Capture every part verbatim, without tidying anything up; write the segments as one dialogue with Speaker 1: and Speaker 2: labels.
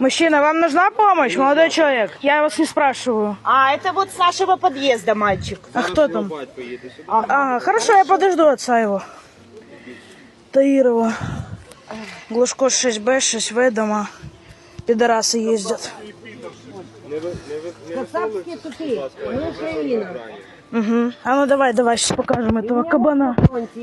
Speaker 1: Мужчина, вам нужна помощь, молодой человек? Я вас не спрашиваю.
Speaker 2: А, это вот с нашего подъезда мальчик.
Speaker 1: А кто там? Ага, хорошо, я подожду отца его. Таирова. Глушко шесть бэ, шесть вэ, дома. Пидорасы ездят.
Speaker 3: Кацапские тупые, мы Украина.
Speaker 1: Угу. А ну давай, давай, сейчас покажем этого кабана.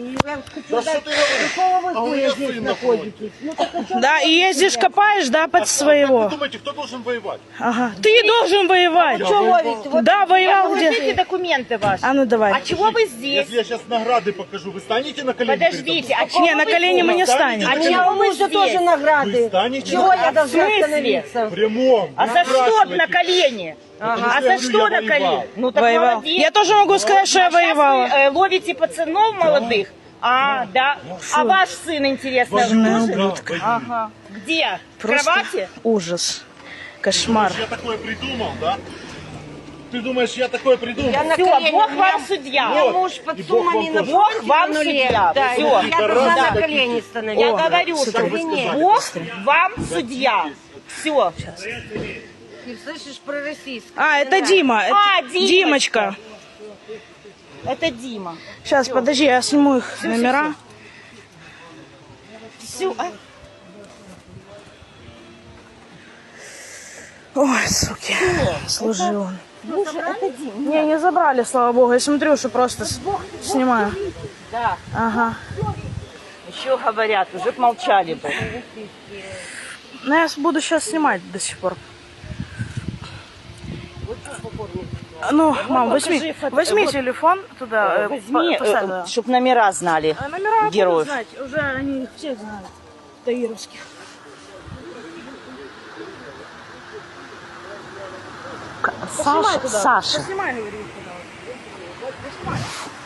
Speaker 1: Да, и ездишь, копаешь, да, под своего.
Speaker 4: Вы думаете, кто должен воевать?
Speaker 1: Ага. Ты должен воевать. Да, воевал где?
Speaker 2: Покажите документы ваши.
Speaker 1: А ну давай.
Speaker 2: А чего вы здесь?
Speaker 4: Если я сейчас награды покажу, вы станете на колени?
Speaker 2: Подождите, а чего
Speaker 1: Не, на
Speaker 2: вы
Speaker 1: колени мы не
Speaker 2: здесь?
Speaker 1: станем.
Speaker 2: А
Speaker 3: У
Speaker 2: чего вы
Speaker 3: мужа
Speaker 2: здесь?
Speaker 3: тоже
Speaker 4: Вы
Speaker 3: награды.
Speaker 4: станете?
Speaker 3: Чего я
Speaker 2: В
Speaker 3: должна
Speaker 2: смысле?
Speaker 3: остановиться?
Speaker 4: В прямом.
Speaker 2: А
Speaker 4: Вы
Speaker 2: за что
Speaker 4: спрашиваете.
Speaker 2: на колени?
Speaker 4: Потому
Speaker 2: А
Speaker 4: что я
Speaker 2: за
Speaker 4: говорю,
Speaker 2: что
Speaker 4: я
Speaker 2: на
Speaker 4: воевал.
Speaker 2: колени? Ну так
Speaker 1: Воевал.
Speaker 2: молодец.
Speaker 1: Я тоже могу сказать, что я
Speaker 2: А сейчас
Speaker 1: воевала.
Speaker 2: вы э, ловите пацанов молодых? А, да. А ваш сын, интересно,
Speaker 4: Воюю,
Speaker 2: тоже?
Speaker 4: да, воюю.
Speaker 2: Ага. Где? В
Speaker 1: Просто
Speaker 2: кровати?
Speaker 1: ужас. Кошмар.
Speaker 4: Я такое придумал, да? Ты думаешь, я такое придумал?
Speaker 3: Я на
Speaker 2: Все,
Speaker 3: колени,
Speaker 2: Бог
Speaker 3: у меня-
Speaker 2: вам
Speaker 3: у
Speaker 2: судья.
Speaker 3: меня муж под
Speaker 4: И Бог вам
Speaker 3: суммами на
Speaker 4: тоже.
Speaker 2: Бог
Speaker 3: фронте
Speaker 2: вам
Speaker 3: на нуле.
Speaker 2: судья.
Speaker 3: Да,
Speaker 2: Всё.
Speaker 3: я должна
Speaker 4: Да.
Speaker 3: на колени
Speaker 2: Я
Speaker 3: становиться.
Speaker 2: говорю, что
Speaker 4: Что вы сказали?
Speaker 2: Бог вам судья. Все.
Speaker 3: Ты слышишь про российское?
Speaker 1: А, это Дима. Это
Speaker 2: А, Димочка.
Speaker 1: Димочка.
Speaker 2: Это Дима.
Speaker 1: Сейчас, подожди, я сниму их номера.
Speaker 2: Все.
Speaker 1: Ой, суки. Служил он.
Speaker 2: Боже, это Дима.
Speaker 1: Не, не забрали, слава богу. Я смотрю, что просто с- снимаю.
Speaker 2: Да.
Speaker 1: Ага.
Speaker 2: Еще говорят, уже б молчали бы.
Speaker 1: Ну, я буду сейчас снимать до сих пор. Ну, мам, возьми,
Speaker 2: покажи фото-
Speaker 1: возьми
Speaker 2: вот.
Speaker 1: телефон туда. э,
Speaker 2: Возьми,
Speaker 1: по- поставь, да.
Speaker 2: чтобы номера знали.
Speaker 1: А номера будут
Speaker 2: героев.
Speaker 1: знать, уже они их всех знают. Таировских.
Speaker 2: Саша, Саша.
Speaker 1: Снимай, говорю, пожалуйста.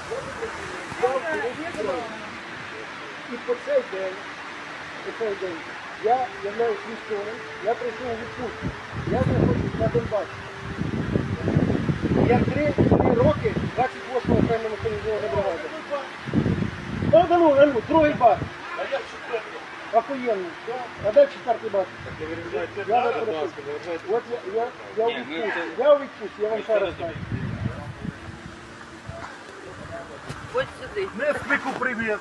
Speaker 5: І по цей день, по цей день, я являюсь військовим, я прийшов у відпустку, я знаходжусь на Донбасі. Я три, три роки двадцять восьма окрема механізована бригада. А, да ну, а ну, другий бар. Охуєнно. А де четвертий бар? Я не перепрошую. От я, я, я у відпустці. Я у відпустці, я вам ще раз кажу.
Speaker 4: Несквику привет.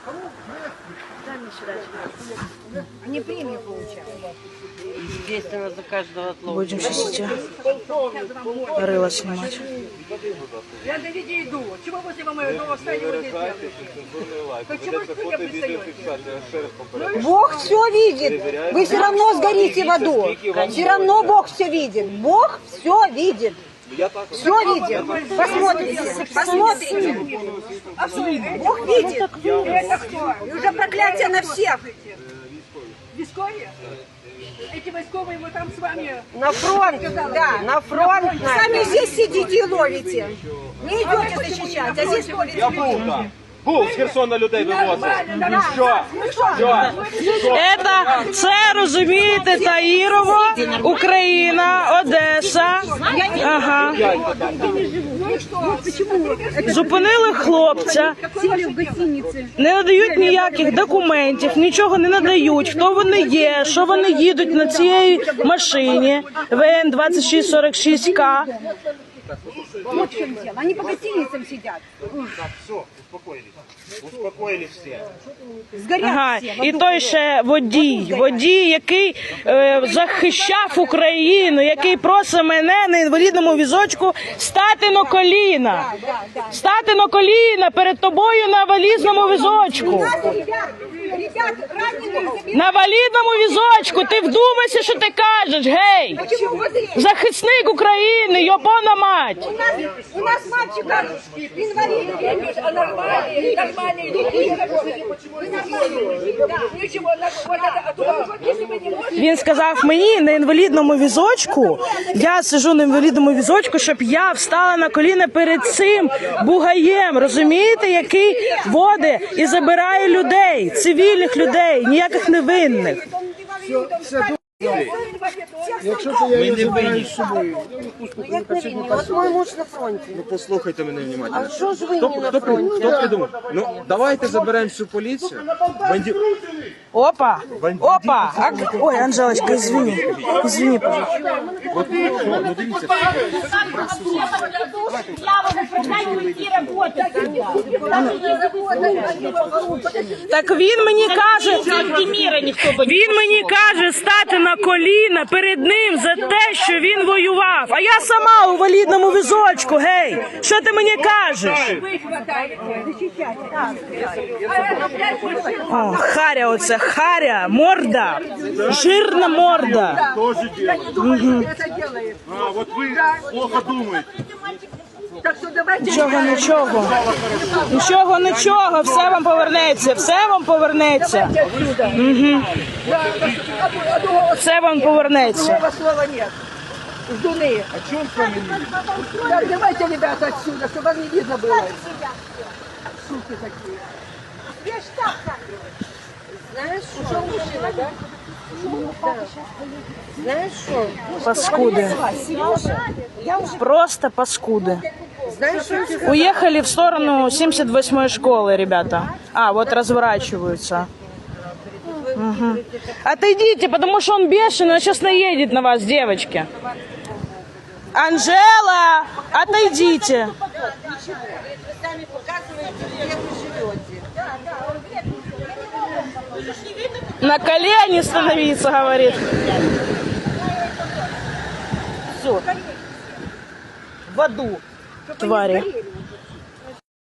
Speaker 3: Они премию получают. Естественно, за каждого отлова.
Speaker 1: Будем сейчас идти. Рыло снимать.
Speaker 6: Я до людей иду. Чего возле моего встали вот здесь делаете? Почему вы пристаете?
Speaker 3: Бог все видит. Вы все равно сгорите в аду. Все равно Бог все видит. Бог все видит. Все видит. Посмотрите. Посмотрите. Бог видит.
Speaker 6: Это кто?
Speaker 3: И уже проклятие на всех.
Speaker 6: Військові? Эти войсковые мы там с вами...
Speaker 3: На фронт, да, на фронт. Сами здесь сидите и ловите. Не идете защищать, а здесь ловите.
Speaker 7: Я був там. Був з Херсона людей вивозив. Що? Що?
Speaker 1: Это, це, розумієте, Таїрово, Україна, Одеса. Ага. Зупинили хлопця, не надають ніяких документів, нічого не надають, хто вони є, що вони їдуть на цій машині В Н двадцять шість сорок шість К.
Speaker 3: Вот в чем дело. Они по гостиницам сидят.
Speaker 4: Все, успокоились. Успокоились все.
Speaker 3: Сгорят
Speaker 1: Ага,
Speaker 3: все. в
Speaker 1: і
Speaker 3: аду.
Speaker 1: той ще водій, водій, який е, захищав Україну, який просить мене на інвалідному візочку стати на коліна. Стати на коліна перед тобою на валізному візочку.
Speaker 3: Ребят, ребят, раненых
Speaker 1: На валідному візочку. Ти вдумайся, що ти кажеш, гей!
Speaker 3: Почему? Вот и-
Speaker 1: Захисник України, йобана мать!
Speaker 3: У нас, у нас мальчика инвалид.
Speaker 6: А нормальные, нормальные люди.
Speaker 3: Вы нормальные. Да.
Speaker 6: Ничего, вот это, а то, если вы не можете...
Speaker 1: Він сказав мені на інвалідному візочку, я сижу на інвалідному візочку, щоб я встала на коліна перед цим бугаєм, розумієте, який водить і забирає людей, цивільних людей, ніяких невинних.
Speaker 3: Он инвалид, он
Speaker 5: Якщо це я її забираю з собою.
Speaker 3: Як на війні? От мой муж на фронті.
Speaker 7: Ну послухайте мене внимательно.
Speaker 3: А що ж ви
Speaker 7: Хто,
Speaker 3: не на
Speaker 7: хто, при-
Speaker 3: фронті?
Speaker 7: хто придумав? Ну давайте заберемо всю поліцію. Банді...
Speaker 1: Опа, опа. А... Ой, Анжелочка, извини. Извини, пожалуйста.
Speaker 7: Ну дивіться.
Speaker 2: Я вам управляю, які роботи.
Speaker 1: Так він мені каже,
Speaker 2: Міра ніхто би
Speaker 1: він мені каже стати на коліна перед ним за те, що він воював. А я сама у валідному візочку, гей. Що ти мені кажеш? О, харя оце, харя, морда, жирна морда.
Speaker 4: Тоже делают. А, вот вы плохо думаете.
Speaker 6: Так что давайте...
Speaker 1: Нічого, нічого. Нічого, нічого, все вам повернеться, все вам повернеться. Угу. Все вам повернеться.
Speaker 6: Другого слова нет. Ждуны.
Speaker 4: О чем с вами не
Speaker 6: Так, давайте, ребята, отсюда, чтобы вас не видно было. Суки такие.
Speaker 3: Знаєш, що мужчина, да? Знаєш що?
Speaker 1: Паскуди. Просто паскуди.
Speaker 3: Знаєш, що я тебе скажу?
Speaker 1: Уехали в сторону семьдесят восьмой школы, ребята. А, вот разворачиваются. Мгм. Отойдите, потому что он бешеный, он сейчас наедет на вас, девочки. Анжела, отойдите.
Speaker 3: Ви самі показуєте, як ви живете.
Speaker 1: На колени становиться, говорит.
Speaker 2: в аду.
Speaker 1: Твари.